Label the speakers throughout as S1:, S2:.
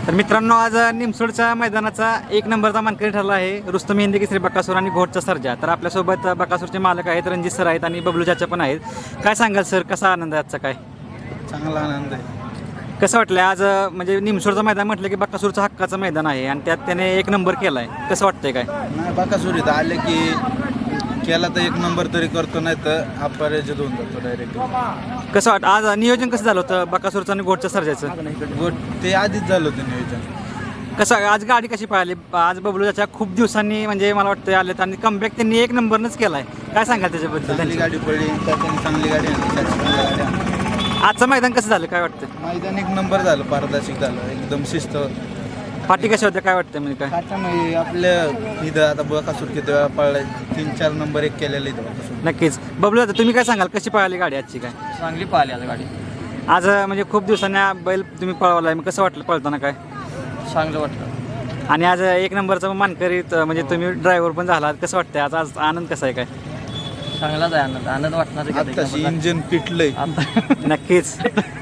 S1: तर मित्रांनो, आज निमसोडच्या मैदानाचा 1 नंबरचा मानकरी ठरला आहे रुस्तम हिंद केसरी बकासूर आणि घोटचा सर्जा. तर आपल्यासोबत बकासूरचे मालक आहेत, रणजित सर आहेत आणि बबलू चाचा पण आहेत. काय सांगाल सर, कसा आनंद आहे आजचा? काय
S2: चांगला आनंद आहे.
S1: कसं वाटलं आज? म्हणजे निमसोडचं मैदान म्हटलं की बकासूरचं हक्काचं मैदान आहे आणि त्यात त्याने 1 नंबर केला आहे. कसं वाटतंय? काय
S2: नाही, बकासूर इथं आले की केला तर 1 नंबर तरी करतो, नाही तर अपराजित होऊन जातो डायरेक्ट.
S1: कसं वाटतं आज नियोजन कसं झालं होतं बकासूरचं आणि घोटच्या सर्जाचं?
S2: गोट ते आधीच झालं होतं नियोजन.
S1: कसं आज गाडी कशी पाहिली? आज बबलू चाचा खूप दिवसांनी म्हणजे मला वाटतं आलेत आणि कमबॅक त्यांनी 1 नंबरनंच केला आहे. काय सांगाल त्याच्याबद्दल?
S2: चांगली गाडी पडली, त्याच्याने चांगली गाडी आणली, त्याची चांगली गाडी आणली.
S1: आजचं मैदान कसं झालं? काय वाटतं?
S2: मैदान 1 नंबर झालं, पारदर्शक झालं, एकदम शिस्त.
S1: पाठी कशा होत्या? काय वाटतं म्हणजे? काय
S2: त्याच्यामुळे आपल्या इथं आता बकासूर किती वेळा पळलाय, 3-4 नंबर 1 केलेलं इथं बकासूर.
S1: नक्कीच. बबलू दादा, तुम्ही काय सांगाल, कशी पळाली गाडी आजची? काय
S3: चांगली पाहिली आज गाडी.
S1: आज म्हणजे खूप दिवसांनी बैल तुम्ही पळवलाय, मग कसं वाटलं पळताना? काय
S3: चांगलं वाटतं.
S1: आणि आज 1 नंबरचा मानकरी म्हणजे तुम्ही ड्रायव्हर पण झाला, कसं वाटतंय आज? आज आनंद कसा आहे? काय
S3: चांगलाच आहे आनंद. आनंद वाटणार
S2: आत्ताशी इंजिन पिटलंय,
S1: नक्कीच.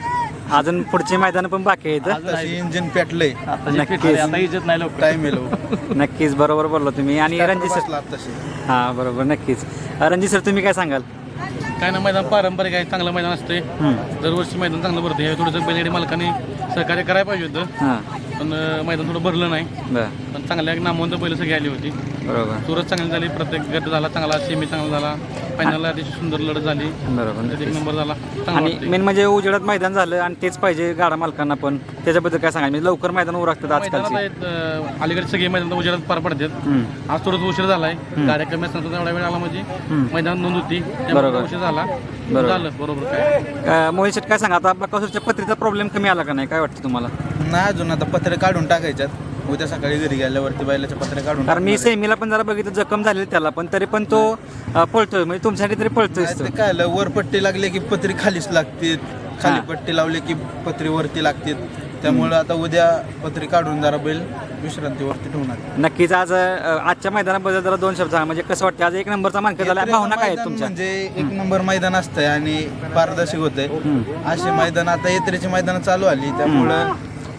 S1: अजून पुढचे मैदान पण बाकी आहेत.
S2: आत्ताशी इंजिन पेटलंय.
S1: नक्कीच.
S3: आता इज्जत नाही लोक.
S2: टाइम येलो
S1: नक्कीच, बरोबर बोललो तुम्ही. आणि रणजित सर,
S2: बसला आत्ताशी.
S1: हां बरोबर, नक्कीच. रणजित सर, तुम्ही काय सांगाल?
S4: काय ना, मैदान पारंपरिक आहे, चांगलं मैदान असते. दरवर्षी मैदान चांगलं भरते. हे थोडंसं बैलगाडी मालकाने सहकार्य करायला पाहिजे होतं,
S1: हां
S4: पण मैदान थोडं भरलं नाही.
S1: बरं,
S4: पण चांगल्या नामवंत बैल सगळी आली होती.
S1: बरोबर
S4: सुरत चांगली झाली, प्रत्येक गट झाला चांगला, सेमी चांगला झाला, फायनलला अतिशय सुंदर लढत झाली,
S1: बरोबर.
S4: त्यात 1 नंबर झाला. चांगलं
S1: आणि
S4: वाटतंय.
S1: मेन म्हणजे उजेडात मैदान झालं आणि तेच पाहिजे गाडा मालकांना पण. त्याच्याबद्दल काय सांगाल? म्हणजे लवकर मैदान उरकतात आजकालची.
S4: मैदानात आहेत, अलीकडे सगळे मैदान उजेडात पार पडतात. आज थोडंसं उशीर झालाय, गाड्या कमी असताना एवढा वेळ आला म्हणजे मैदान नोंद होती, त्यामुळे
S1: बरोबर.
S4: उशीर झाला.
S1: बरोबर.
S4: झालं बरोबर. काय
S1: मोहित शेट, काय सांगा आता? बकासूरच्या पत्रीचा प्रॉब्लेम कमी आला का नाही? काय वाटतं तुम्हाला?
S2: नाही, अजून आता पत्रे काढून टाकायच्यात. उद्या सकाळी घरी गेल्यावरती बैलाचे पत्रे काढून
S1: कारण मी
S2: टाकणार आहे.
S1: सेमीला पण जरा बघितलं, जखम झालेली त्याला, पण तरी पण तो पळतोय. म्हणजे तुमच्यासाठी तरी पळतोय.
S2: नाही, ते काय आलं, वर पट्टी लागली की पत्री खालीच लागते, खाली
S1: हां.
S2: पट्टी लावली की पत्री वरती लागते. त्यामुळे आता उद्या पत्री काढून जरा बैल विश्रांतीवरती ठेवणार.
S1: नक्कीच. आज आजच्या मैदानाबद्दल जरा 2 शब्द सांगा. म्हणजे कसं वाटतं आज 1 नंबरचा मानकरी झाला? भावना काय आहेत
S2: मैदान
S1: तुमच्या?
S2: म्हणजे 1 नंबर मैदान असतंय आणि पारदर्शक होतंय. असे मैदान आता यात्रेची मैदान चालू आली, त्यामुळं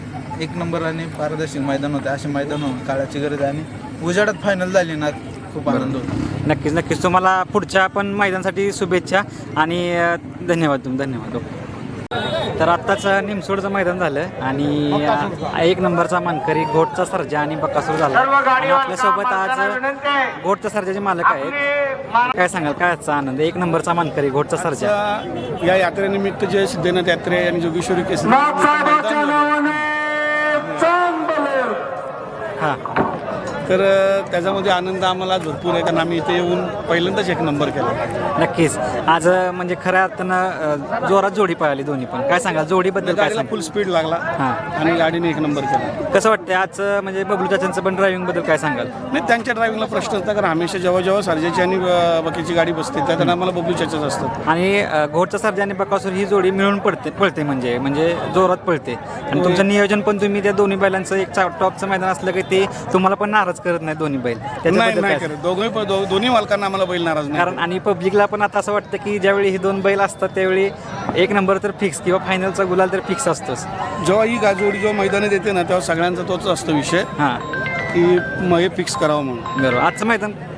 S2: 1 नंबर आणि पारदर्शक मैदान होते. असे मैदान होऊन काळाची गरज आहे आणि उजेडात फायनल झाली ना, खूप आनंद होतो.
S1: नक्कीच नक्कीच. तुम्हाला पुढच्या पण मैदानासाठी शुभेच्छा आणि धन्यवाद. धन्यवाद. तर आत्ताच निमसोडचं मैदान झालं आणि 1 नंबरचा मानकरी घोटचा सर्जा आणि बकासूर झाला. आणि आपल्यासोबत आज घोटचा सर्जाचे मालक आहेत. काय सांगाल, काय आजचा आनंद? 1 नंबरचा मानकरी घोटचा सर्जा.
S5: या यात्रेनिमित्त जे सिद्धनाथ यात्रे आणि जोगेश्वरी केसरी
S1: हां,
S5: तर त्याच्यामध्ये आनंद आम्हाला भरपूर आहे, कारण आम्ही इथे येऊन पहिल्यांदाच 1 नंबर केला.
S1: नक्कीच. आज म्हणजे खऱ्या अर्थानं जोरात जोडी पळाली दोन्ही पण. काय सांगाल जोडीबद्दल? काय
S5: गाडीला
S1: सांगाल?
S5: फुल स्पीड लागला
S1: हां,
S5: आणि गाडीने 1 नंबर केला.
S1: कसं वाटतं आज म्हणजे बबलू चाचांचं पण ड्रायव्हिंग बद्दल काय सांगाल?
S5: नाही, त्यांच्या ड्रायव्हिंगला प्रश्न असता, कारण हमेशा जेव्हा सर्जाची आणि बाकीची गाडी बसते त्या आम्हाला बबलू चाचाच असतात.
S1: आणि घोटचा सर्जा आणि बकासूर ही जोडी मिळून पळते म्हणजे जोरात पळते. आणि तुमचं नियोजन पण तुम्ही त्या दोन्ही बैलांचं एक टॉपचं मैदान असलं की ते तुम्हाला पण नाराज करत नाही दोन्ही बैल. त्याच्याबद्दल
S5: नाही
S1: काय?
S5: करत, दोन्ही मालकांना आम्हाला बैल नाराज नाही.
S1: कारण आणि पब्लिकला पण आता असं वाटतं की ज्यावेळी हे 2 बैल असतात त्यावेळी 1 नंबर तर फिक्स किंवा फायनलचा गुलाल तर फिक्स असतोच.
S5: जेव्हा ही जोडी जेव्हा मैदानात येते ना, तेव्हा सगळ्यांचा तोच असतो विषय
S1: हां,
S5: की हे फिक्स करावं म्हणून.
S1: बरोबर. आजचं मैदान